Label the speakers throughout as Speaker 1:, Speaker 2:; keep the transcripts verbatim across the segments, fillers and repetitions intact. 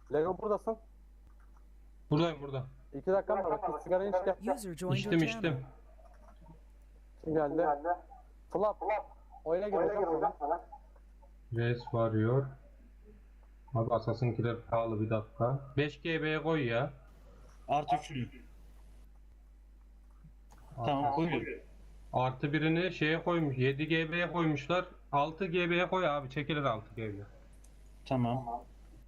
Speaker 1: Lego buradasın.
Speaker 2: Buradayım burada.
Speaker 1: İki dakika mı var? Bir sigara iç gel.
Speaker 3: User joined your
Speaker 2: İçtim
Speaker 3: channel.
Speaker 2: içtim.
Speaker 1: Kim geldi? Flap. Oyuna gir hocam.
Speaker 2: Res varıyor. Abi Assassin'kiler pahalı, bir dakika. beş G B'ye koy ya.
Speaker 4: Artı üçlü. Tamam koyuyorum.
Speaker 2: Artı birini şeye koymuş. yedi G B'ye koymuşlar. altı G B'ye koy abi. Çekilir altı G B.
Speaker 4: Tamam.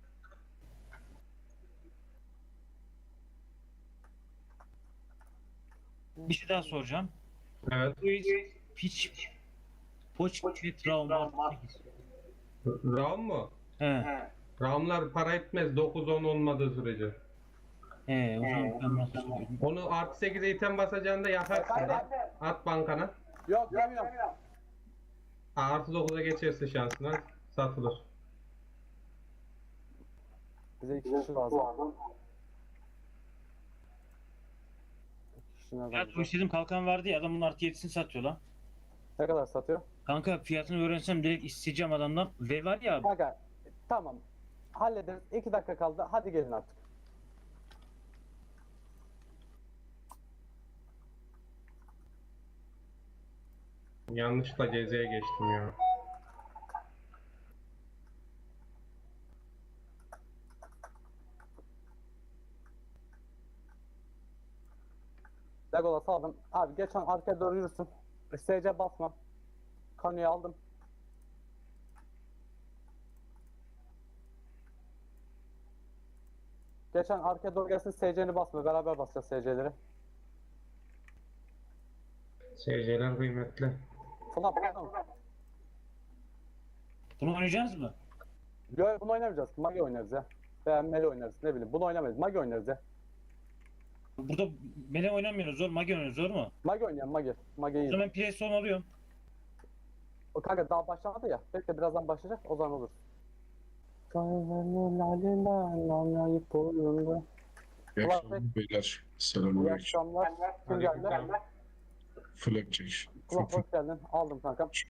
Speaker 4: Bir şey daha soracağım.
Speaker 2: Evet.
Speaker 4: Piç Poç Pit Round var.
Speaker 2: RAM mı?
Speaker 4: He.
Speaker 2: RAM'lar para etmez dokuz on olmadığı sürece.
Speaker 4: He, o zaman ben nasıl söyleyeyim?
Speaker 2: Onu artı sekize item basacağında yaparsın da. At bankana.
Speaker 1: Yok yemiyorum.
Speaker 2: Artı dokuza geçerse şansına satılır.
Speaker 1: Bize iki kişi lazım. İki kişi nereden
Speaker 4: Ya bu
Speaker 1: bulacağız?
Speaker 4: istediğim kalkan vardı ya, adamın artı yedisini satıyor lan.
Speaker 1: Ne kadar satıyor?
Speaker 4: Kanka fiyatını öğrensem direkt isteyeceğim adamdan. Ve var ya,
Speaker 1: Kanka tamam. Hallederiz. İki dakika kaldı. Hadi gelin artık.
Speaker 2: Yanlışlıkla Geze'ye geçtim ya.
Speaker 1: Legolas aldım. Abi geçen arkaya doğru yürüsün. S C basma. Kanuyu aldım. Geçen arkaya doğru gelsin, S C'ni basma. Beraber basacağız S C'leri.
Speaker 2: Seyirciler kıymetli.
Speaker 1: Flap tamam.
Speaker 4: bunu oynayacağız mı?
Speaker 1: Yo, bunu oynamayacağız. Magi oynarız ya. Veya Melee oynarız. Ne bileyim. Bunu oynamayız. Magi oynarız ya.
Speaker 4: Burada Mele oynamıyoruz, zor. Mage oynuyoruz, zor mu?
Speaker 1: Magi oynayan Magi. Magi
Speaker 4: O
Speaker 1: iyi.
Speaker 4: zaman ben P S on alıyorum.
Speaker 1: O kanka daha başlamadı ya. Bekle birazdan başlayacak. O zaman olur.
Speaker 5: İyi
Speaker 1: Ulan
Speaker 5: akşamlar beyler.
Speaker 1: İyi
Speaker 5: Selamünaleyküm.
Speaker 1: akşamlar. Kim geldi?
Speaker 2: Aleykümselam.
Speaker 5: Flapjack.
Speaker 1: Kulak hoş geldin. Aldım kankam.